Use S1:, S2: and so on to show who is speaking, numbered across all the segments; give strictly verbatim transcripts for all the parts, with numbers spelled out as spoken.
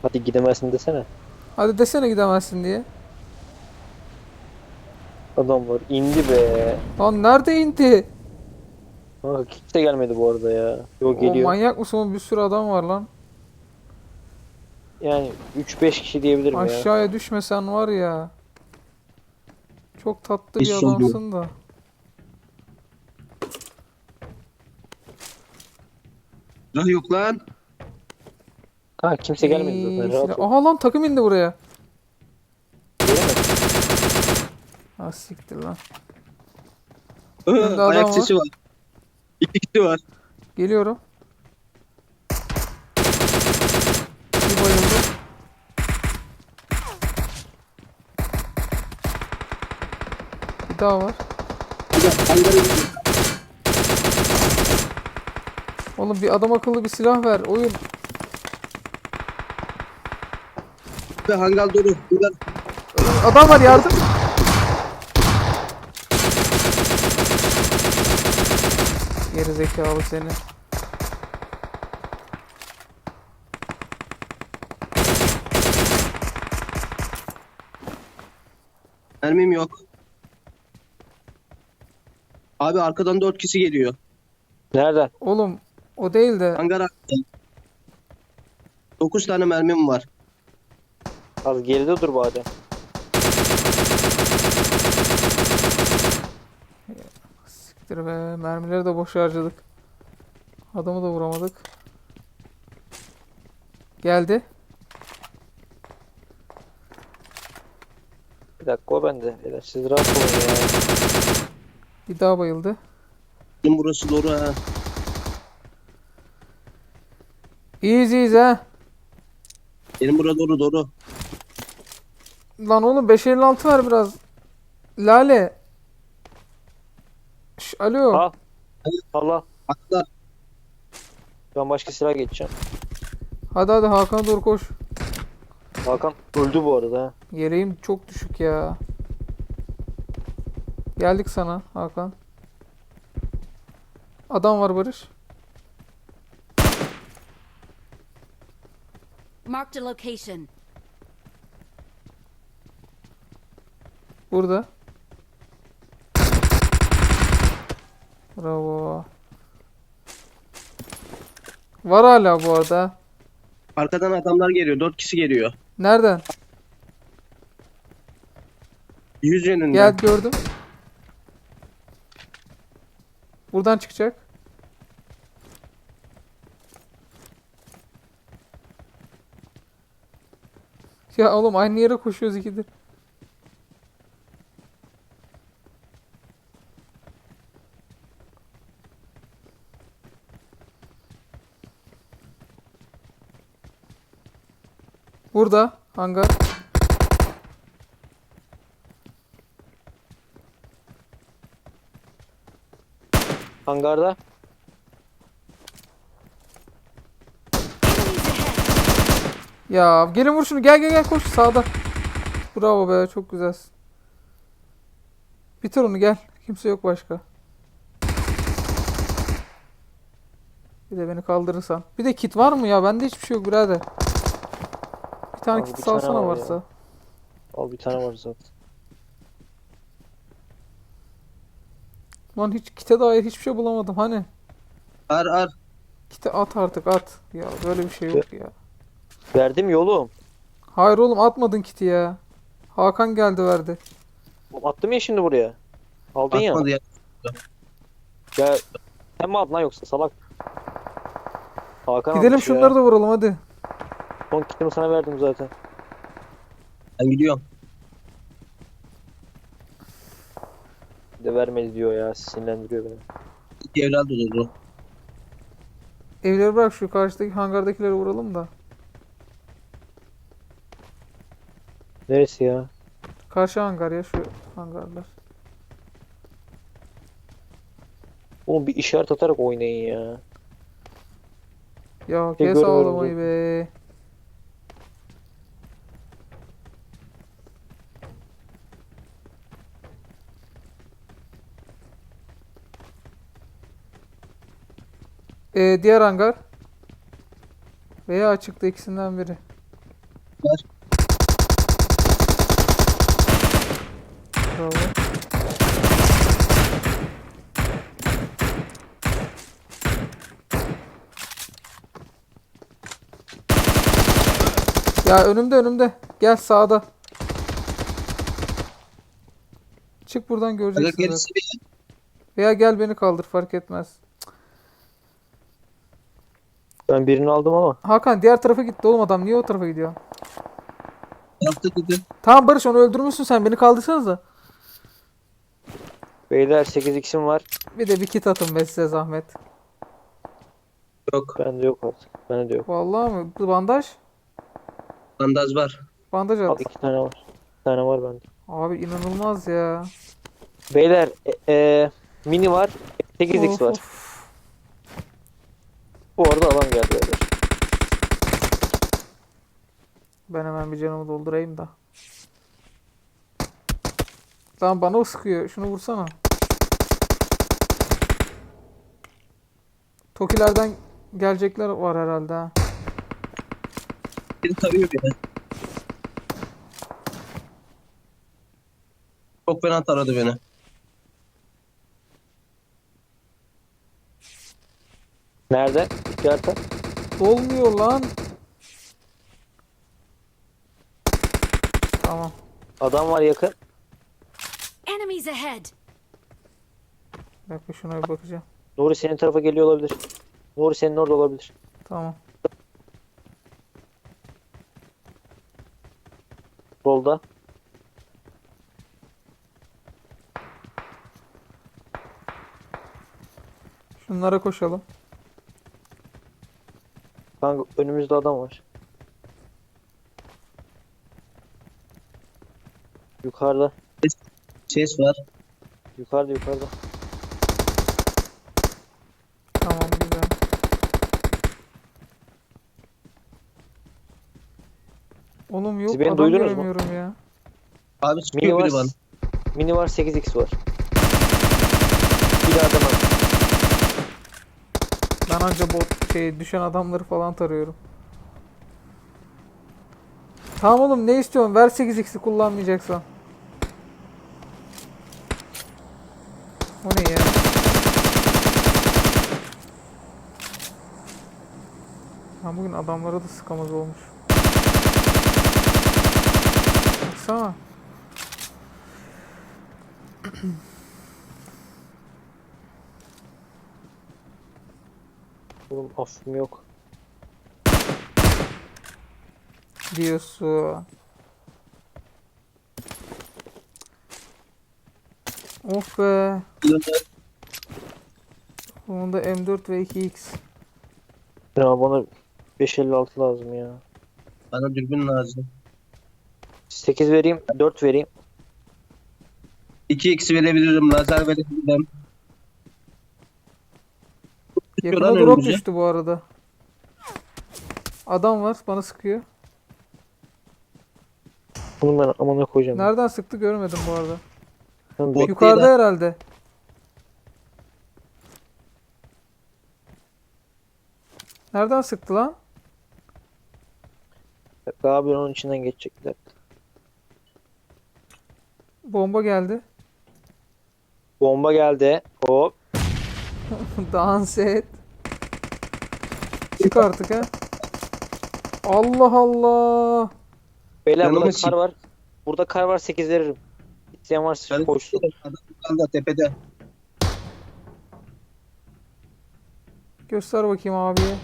S1: Hadi gidemezsin desene.
S2: Hadi desene gidemezsin diye.
S1: Adamlar indi be.
S2: Lan nerede indi?
S1: Kanka kimse gelmedi bu arada ya. Yok
S2: O
S1: geliyor.
S2: manyak mısın oğlum? Bir sürü adam var lan.
S1: Yani üç beş kişi diyebilirim ya.
S2: Aşağıya düşmesen var ya. Çok tatlı
S3: Hiç
S2: bir
S3: sormuyor.
S2: adamsın da.
S3: Silah yok lan.
S1: Kanka kimse gelmedi zaten,
S2: İyi silah.
S1: rahat ol.
S2: Aha lan takım indi buraya.
S1: Göremedim.
S2: Ha siktir lan.
S3: Aha,
S2: Önde
S3: ayak
S2: adam var.
S3: sesi var. İki kişi var.
S2: Geliyorum. Bir bayıldı. Bir daha var.
S3: Bir de hangara gidiyor.
S2: Oğlum bir adam akıllı bir silah ver. Oyun.
S3: Bir de hangar dolu. Hangar.
S2: Adam var yardım. Geri zekalı seni.
S3: Mermim yok. Abi arkadan dört kişi geliyor.
S1: Nereden?
S2: Oğlum o değil de
S3: Hangar arkada. Dokuz tane mermim var.
S1: Az geride dur bari.
S2: siktir be. Mermileri de boş harcadık. Adamı da vuramadık. Geldi.
S1: Bir dakika, o bende. Beyler, siz rahat olun ya.
S2: Bir daha bayıldı.
S3: Benim burası doğru ha.
S2: İyiyiz iyiyiz ha.
S3: Benim burası doğru doğru.
S2: Lan oğlum beş elli altı ver biraz. Lale. Şş, alo.
S1: Al. Allah.
S3: Atla.
S1: Ben başka silah geçeceğim.
S2: Hadi hadi Hakan'a doğru koş.
S1: Hakan öldü bu arada ha.
S2: Yeleğim çok düşük ya. Geldik sana Hakan. Adam var Barış.
S4: Marked a location.
S2: Burada. Bravo. Var hala bu arada.
S3: Arkadan adamlar geliyor. Dört kişi geliyor.
S2: Nereden?
S3: Yüz
S2: Gel
S3: yönünden.
S2: gördüm. Buradan çıkacak. Ya oğlum aynı yere koşuyoruz ikidir. Burada hangar.
S1: Hangarda.
S2: Ya gelin vur şunu, gel gel gel koş sağda. Bravo be, çok güzelsin. Bitir onu, gel. Kimse yok başka. Bir de beni kaldırırsan. Bir de kit var mı ya? Bende hiçbir şey yok birader. Bir tane
S1: Al,
S2: kit
S1: bir tane
S2: salsana
S1: var ya.
S2: varsa.
S1: Al, bir tane var zaten.
S2: Lan hiç kite dair hiçbir şey bulamadım. Hani
S3: Ar ar.
S2: kite at artık at. Ya böyle bir şey yok ya.
S1: Verdim yolum.
S2: Hayır oğlum, atmadın kiti ya. Hakan geldi verdi.
S1: Oğlum, attım ya şimdi buraya. Aldın ya.
S3: Atmadı ya.
S1: Ya sen mi aldın lan yoksa salak? Hakan
S2: Gidelim
S1: almış
S2: şunları
S1: ya.
S2: da vuralım hadi.
S1: Son kitimi sana verdim zaten.
S3: Ben gidiyorum.
S1: Bir de vermedi diyor ya. Sinirlendiriyor beni.
S3: İki evlat oldu.
S2: Evleri bırak, şu karşıdaki hangardakileri vuralım da.
S1: Neresi ya?
S2: Karşı hangar ya, şu hangarlar.
S1: Oğlum bir işaret atarak oynayın ya.
S2: Ya
S1: Bir de
S2: kes
S1: görmüyoruz
S2: ağlamayı
S1: zaten.
S2: be. Ee, diğer hangar. Veya açıkta, ikisinden biri.
S3: var.
S2: Bravo. Ya önümde önümde. Gel sağda. Çık buradan
S3: Aga
S2: göreceksin zaten.
S3: gerisi bir
S2: Veya gel beni kaldır fark etmez.
S1: Ben birini aldım ama.
S2: Hakan diğer tarafa gitti oğlum adam. Niye o tarafa gidiyor?
S3: tarafta dedi.
S2: Tamam Barış onu öldürmüşsün sen. Beni kaldırsanıza.
S1: Beyler sekiz x'im var.
S2: Bir de bir kit atın be size zahmet.
S3: Yok.
S1: Bende yok artık. Bende de yok.
S2: Vallahi mi? Bu bandaj?
S3: Bandaj var.
S2: Bandaj
S1: Al
S2: at.
S1: iki tane var. Bir tane var bende.
S2: Abi inanılmaz ya.
S1: Beyler e, e, mini var. sekiz x
S2: Of,
S1: var.
S2: of.
S1: Bu arada alan geldi beyler.
S2: Ben hemen bir canımı doldurayım da. Lan bana o sıkıyor. Şunu vursana. Tokilerden gelecekler var herhalde ha.
S3: Beni tarıyor beni. Çok fena taradı beni.
S1: Nerede? İşaret at.
S2: Dolmuyor lan. Tamam.
S1: Adam var yakın.
S4: Enemies ahead!
S2: Bir dakika şuna bir bakacağım.
S1: Nuri senin tarafa geliyor olabilir. Nuri senin orada olabilir.
S2: Tamam.
S1: Rolda.
S2: Şunlara koşalım.
S1: Kanka önümüzde adam var. Yukarıda.
S3: Ses var.
S1: Yukarıda yukarıda.
S2: Tamam güzel. Oğlum yok
S1: Siz beni
S2: adam
S1: duydunuz mu?
S2: göremiyorum ya.
S3: Abi
S1: Mini
S3: çıkıyor
S1: var.
S3: biri bana.
S1: Mini var sekiz x var. Bir adam var.
S2: Ben anca bot şey düşen adamları falan tarıyorum. Tamam oğlum ne istiyorsun? Ver sekiz x'i kullanmayacaksan. O ne ya? Ha bugün adamlara da sıkamaz olmuş. Baksana.
S1: Oğlum affım yok.
S2: Diyorsun. Of be. Onda M dört ve iki x.
S1: Ya bana beş elli altı lazım ya.
S3: Bana dürbün lazım.
S1: sekiz vereyim, dört vereyim.
S3: iki x verebilirim. Lazer verebilirim.
S2: Yakına
S3: Lan
S2: drop
S3: önümüze.
S2: düştü bu arada. Adam var bana sıkıyor.
S1: Bunu ben amına koyacağım.
S2: Nereden sıktı görmedim bu arada.
S1: Ben
S3: Bot-
S2: Yukarıda
S3: değil
S2: herhalde. Nereden sıktı lan?
S1: Bek- abi onun içinden geçecekler.
S2: Bomba geldi.
S1: Bomba geldi. Hop.
S2: Dans et. Çık artık ha. Allah Allah.
S1: Beyler
S3: Yanıma
S1: burada
S3: çık.
S1: kar var. Burada kar var sekiz veririm. İsteyen varsa
S3: Ben
S1: koşsun.
S3: adam yukarıda tepede.
S2: Göster bakayım abiye.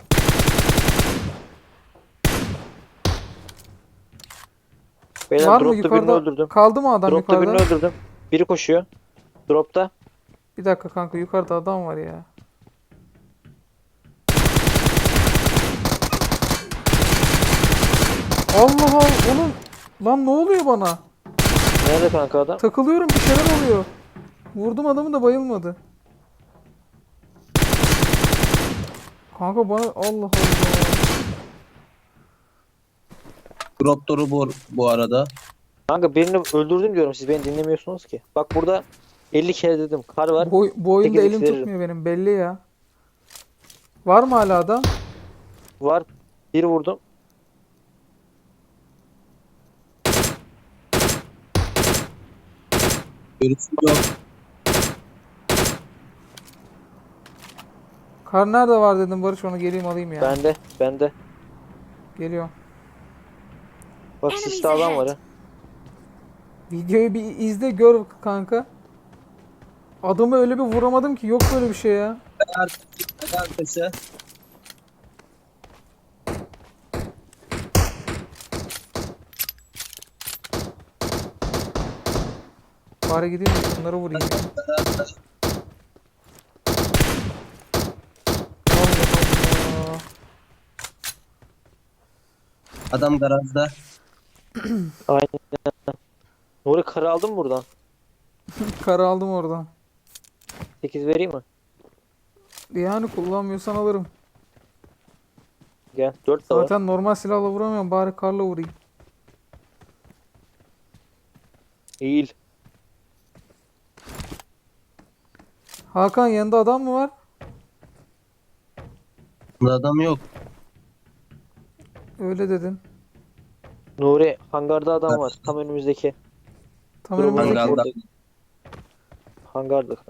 S1: Beyler
S2: Var mı
S1: dropta birini
S2: yukarıda?
S1: öldürdüm.
S2: Kaldı mı adam
S1: Dropta
S2: yukarıda?
S1: birini öldürdüm. Biri koşuyor. Dropta.
S2: Bir dakika kanka yukarıda adam var ya. Allah Allah oğlum. Lan ne oluyor bana?
S1: Nerede kanka adam?
S2: Takılıyorum bir şeyler oluyor. Vurdum adamı da bayılmadı. Kanka bana Allah Allah.
S3: Drop doru bu, bu arada.
S1: Kanka birini öldürdüm diyorum. Siz beni dinlemiyorsunuz ki. Bak burada elli kere dedim. Kar var.
S2: Bu, bu oyunda
S1: sekiz
S2: elim
S1: veririm.
S2: tutmuyor benim belli ya. Var mı hala adam?
S1: Var. Bir vurdum.
S3: Görüşüm yok.
S2: Kar nerede var dedim Barış, onu geleyim alayım ya.
S1: Bende. Bende.
S2: Geliyorum.
S1: Bak
S4: Enemies
S1: siste adam var
S4: ahead.
S1: ha.
S2: Videoyu bir izle gör kanka. Adamı öyle bir vuramadım ki, yok böyle bir şey ya.
S3: Arkası. Arkası.
S2: Bari gideyim de şunları vurayım ya. Allah Allah.
S3: Adam garajda.
S1: Aynen. Nuri karı aldın mı buradan?
S2: Karı aldım oradan.
S1: sekiz vereyim mi?
S2: Yani kullanmıyorsan alırım.
S1: Gel. dört de var.
S2: Zaten normal silahla vuramıyorum, bari karla vurayım.
S1: Eğil.
S2: Hakan, yanında adam mı var?
S3: Bunda adam yok.
S2: Öyle dedin.
S1: Nuri hangarda adam var. Tam önümüzdeki.
S2: Tam
S1: Durum
S2: önümüzdeki.
S3: Hangarda.
S1: Hangarda.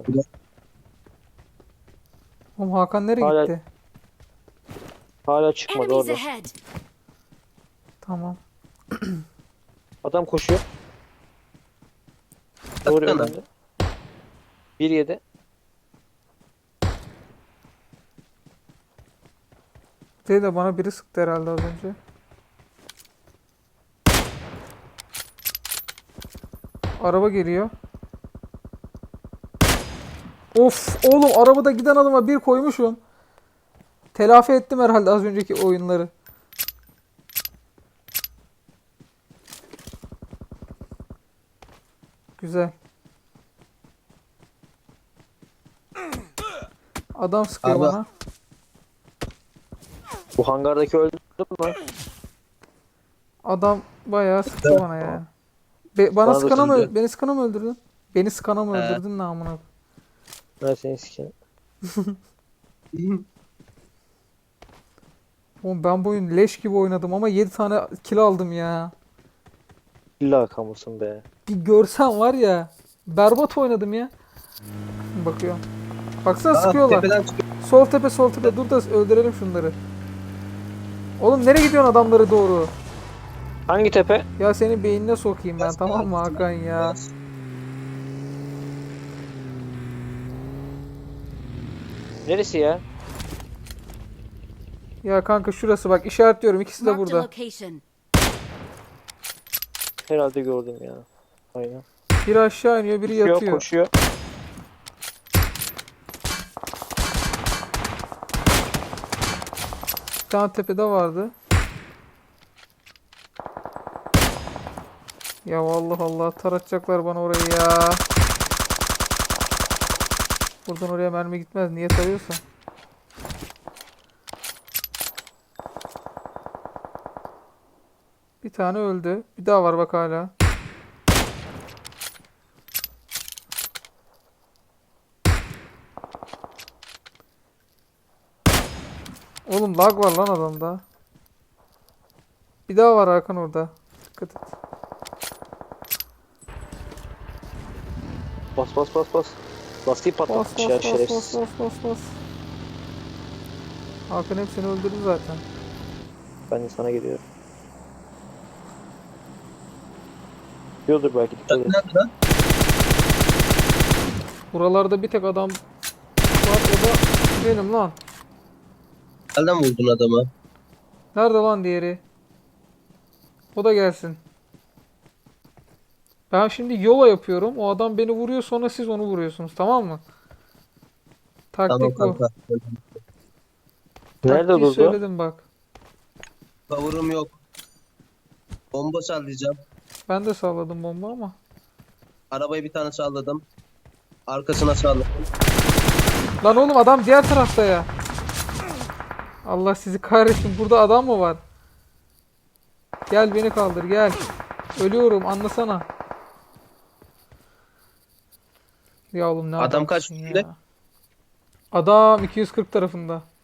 S2: Oğlum Hakan nereye
S1: Hala-
S2: gitti?
S1: Hala çıkmadı
S4: Enemies
S1: orada.
S4: ahead.
S2: Tamam.
S1: Adam koşuyor. Nuri
S3: Baksana.
S1: önünde. bir yedi.
S2: Değil de bana biri sıktı herhalde az önce. Araba geliyor. Of oğlum, arabada giden adama bir koymuşum. Telafi ettim herhalde az önceki oyunları. Güzel. Adam sıkıyor
S3: Abi.
S2: bana.
S1: Bu hangardaki öldü mü?
S2: Adam bayağı sıktı bana ya. Be- bana
S1: Bana da
S2: sıkana mı,
S1: sıktı.
S2: beni sıkana mı öldürdün? Beni sıkana mı
S3: He.
S2: öldürdün namına?
S1: Ben seni sikeyim.
S2: Oğlum ben bu oyun leş gibi oynadım ama yedi tane kill aldım ya.
S1: İlla kamusun be.
S2: Bir görsen var ya, berbat oynadım ya. Bakıyorum. Baksana
S3: Aa,
S2: sıkıyorlar.
S3: tepeden çıkıyor.
S2: Sol tepe sol tepe, dur da öldürelim şunları. Oğlum nereye gidiyorsun adamları doğru?
S1: Hangi tepe?
S2: Ya senin beynine sokayım ben, tamam mı Hakan ya?
S1: Neresi ya?
S2: Ya kanka şurası bak, işaretliyorum, ikisi de
S4: Marked a
S2: burada.
S4: location.
S1: Herhalde gördüm ya. Aynen.
S2: Biri aşağı iniyor, biri
S1: Koşuyor,
S2: yatıyor.
S1: koşuyor.
S2: Bir tane tepede vardı. Ya Allah Allah, taratacaklar bana orayı ya. Buradan oraya mermi gitmez, niye tarıyorsa. Bir tane öldü. Bir daha var bak hala. Oğlum lag var lan adamda. Bir daha var Hakan orada. Dikkat et.
S1: Bas bas bas bas. Lastiği
S2: Bas
S1: patlatmış
S2: bas
S1: ya
S2: bas
S1: şerefsiz.
S2: bas bas bas bas. Hakan hepsini öldürdü zaten.
S1: Ben de sana geliyorum. Diyordur belki dikkat et.
S3: Nerede lan?
S2: Buralarda bir tek adam var, o da benim lan.
S3: Nereden vurdun adamı?
S2: Nerede lan diğeri? O da gelsin. Ben şimdi yola yapıyorum. O adam beni vuruyor, sonra siz onu vuruyorsunuz, tamam mı?
S3: Tamam
S2: Taktik bu.
S3: kanka.
S1: Nerede
S2: Taktiği
S1: durdu?
S2: söyledim bak.
S3: Kavurum yok. Bomba sallayacağım.
S2: Ben de salladım bomba ama.
S3: Arabayı bir tane salladım. Arkasına salladım.
S2: Lan oğlum adam diğer tarafta ya. Allah sizi kahretsin. Burada adam mı var? Gel beni kaldır gel. Ölüyorum, anlasana. Ya oğlum ne
S3: Adam kaç
S2: adamsın
S3: üstünde?
S2: ya. Adam iki yüz kırk tarafında.